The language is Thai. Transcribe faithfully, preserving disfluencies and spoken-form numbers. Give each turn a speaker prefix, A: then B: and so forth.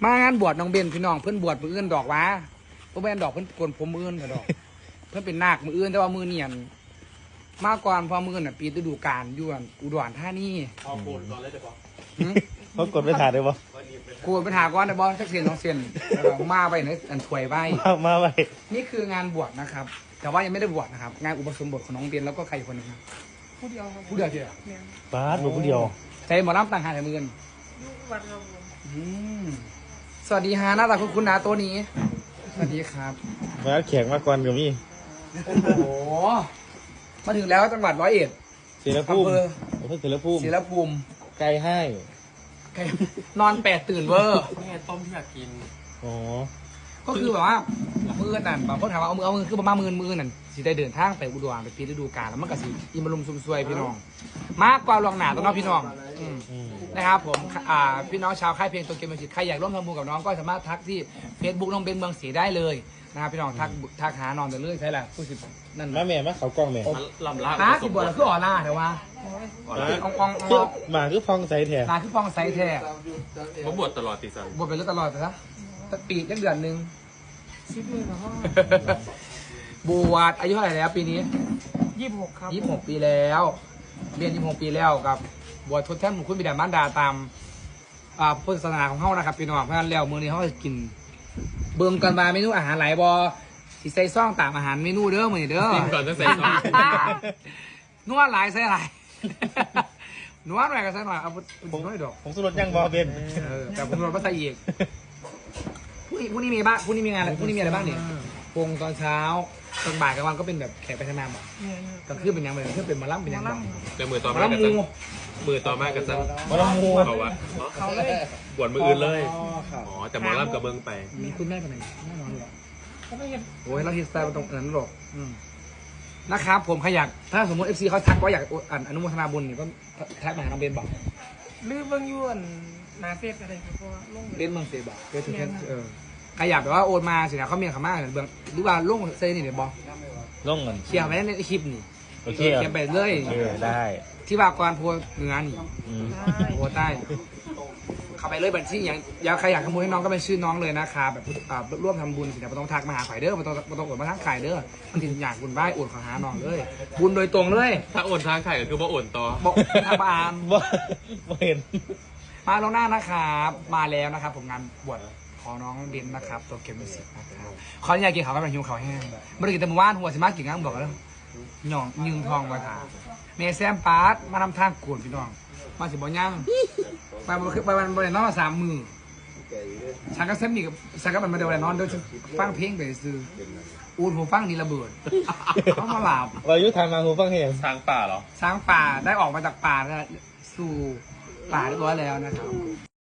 A: มางานบวชน้องเบนพี่น้องเพื่อนบวชมืออื่นดอกวะเพื่อนเป็นดอกเพื่อนกวนผมมืออื่นดอกเพื่อนเป็นนาคมืออื่นแต่ว่ามือเนียนมากกว่าพอมืออื่นอ่ะปีฤดูกาลอยู่อุดรธานี
B: พอโกนตอนแรกจะบอก
C: เขากดไม่ถ่ายได้ปะ
A: กูไปถามก่อนนะบอสสักเสียนสองเสียนมาไปในอันถวยใบ
C: มาไป
A: นี่คืองานบวชนะครับแต่ว่ายังไม่ได้บวชนะครับงานอุปสมบทของน้องเบนแล้วก็ใครคนนึงครับ
D: ผู้เดียวครับ
A: ผู้เดียวเดียว
C: บาสหนูผู้เดียว
A: ใช้หมอลำต่างหากแต่มืออื่น
D: วัดเรา
A: สวัสดีฮะหน้าตาคุณคุณนะตัวนี้สวัสดีครับ
C: มาแขกมาก่อนกับมี่
A: โอ้โหมาถึงแล้วจังหวัดร้อยเอ็ด
C: ศิลภูมิอำเภอศิลภูมิ
A: ศิลภูมิ
C: ไกลให้
A: นอนแปดตื่นเวอร์
B: นี่ต้มที่อยากกิน
C: อ๋อ
A: ก็คือแบบว่ามือนั่นบางคนถามว่าเอามือเอามือคือประมาณมือมือนั่นสิได้เดินทางไปอุดรไปปีฤดูกาลแล้วมันก็สิอิมรุมซุมซวยพี่น้องมากกว่าลองหนาตัวน้องพี่น้องนะครับผมอ่าพี่น้องชาวค่ายเพลงตัวเกมมิวสิกใครอยากร่วมทำบุญกับน้องก็สามารถทักที่เฟซบุ๊กน้องเบนเมืองศรีได้เลยนะครับพี่น้องทักทักหาน้องแต่เรื่อยใช่แหละผู้สิบนั่น
C: แม่แม่มาเขากล้องแม่
B: ลำลา
A: ฮะสิบบวชแล้วคืออ่อนล่าแต่ว่าอองออง
C: หมาคือฟองใสแท้
A: ลาคือฟองใสแท้
B: ผมบวชตลอดติสัน
A: บวชไปแล้วตลอดแต่ละปียักเดือนหนึ่ง
D: สิบเลยเหรอบ
A: วชอายุเท่าไหร่แล้วปีนี้
D: ยี่สิบหกครับ
A: ยี่สิบหกปีแล้วเรียนยี่สิบหกปีแล้วกับบวชทดแทนบุญคุณบิดามารดาตามอ่าพุทธศาสนาของเขานะครับพี่น้องเพราะฉะนั้นแล้วมื้อนี้เขาจะกินเบิ่งกันมาเมนูอาหารหลายบอสิใส่ซ่องตามอาหารเมนูเด้อมื้อนี้เด้อ
B: กินก่อนจะใส่ซอส
A: นัวหลายใส่หลายนัวหน่อยก็ใส่หน่อยเอาผมน้อยดอก
C: ผมสุรสยังบอเบน
A: เออแต่ผมรถมาใส่อีกพรุ่งนี้พรุ่งนี้มีบ้างพรุ่งนี้มีงานอะไรพรุ่งนี้มีอะไรบ้างเนี่ยวงตอนเช้าตอนบ่ายกลางวันก็เป็นแบบแขกไปทำงานบ่กลางคืนเป็นยังไงเพื่อเป็นมาล่ำเป็นยังไง
B: แต่มือต่อมากันซังมือต่อมากันซัง
C: มาลำมู
B: เขาวะ
D: เขาเลย
B: บวชมืออื่นเลยอ๋อแต่หมอล่ำกับเบิ้งไป
A: มีคุณแม่คนไหนแน่นอนหรอ
D: เขาไม่เห็น
A: โอ้ยเราฮิสไตล์มันตรงนั้นหรอกนะครับผมขยักถ้าสมมติเอฟซีเขาทักว่าอยากอนุโมทนาบุญเนี่ยก็ทักมาหาน้องเบนบอก
D: ลืมเบิ้งยวนนาเฟสอะไรครับเพราะว่าลง
A: เบนเมืองเซบอกเบนทุกแค่เออใครอยากแบบว่าโอนมาสินะเขาเมียเขามากเบืองหรือว่าลงเซนี่เดี๋ยวบอก
C: ลงเงิน
A: เคลียร์ไปในคลิปนี่
C: โอเค
A: เคลียร์ไปเลย
C: ได้
A: ที่ว่ากรพัวเหนือนี่พัวใต้เข้าไปเลยบัญชีอย่างอยากใครอยากทำบุญให้น้องก็เป็นชื่อน้องเลยนะคะแบบร่วมทำบุญสินะไม่ต้องทักมาหาข่ายเด้อไม่ต้องไม่ต้องโอนมาทางข่ายเด้อมันถึงอยากบุญไหว้โอนขอหาน้องเลยบุญโดยตรงเลย
B: ถ้าโอนทางไข่ก็คือว่าโอนต่อ
A: บอกทางบ้าน
C: บ่เห็น
A: มาลงหน้านะครับมาแล้วนะครับผมงานบวชของน้องเบนนะครับตัวเกมมิวสิกนะครับขออนุญาตกินข้าวกันหิวข้าวแห้งไม่ได้กินแต่เมื่อวานหัวสิมากินงั้นบอกแล้วหย่องยืงทองมาถามเมย์แซมปาร์ตมาทำทางกวนพี่น้องมาสิบ่ย่างไปไปวันบริเวณนอนสามมือฉันก็เซมนี่กับฉันก็มันมาเดินนอนโดยฟังเพลงไปซื้ออูดหูฟังนี่ระเบิดเขามาหลับ
C: วายุทางมาหูฟังเห็น
B: ทางป่าเหรอ
A: ช้างป่าได้ออกมาจากป่าแล้วสู่ป่าเรียบร้อยแล้วนะครับ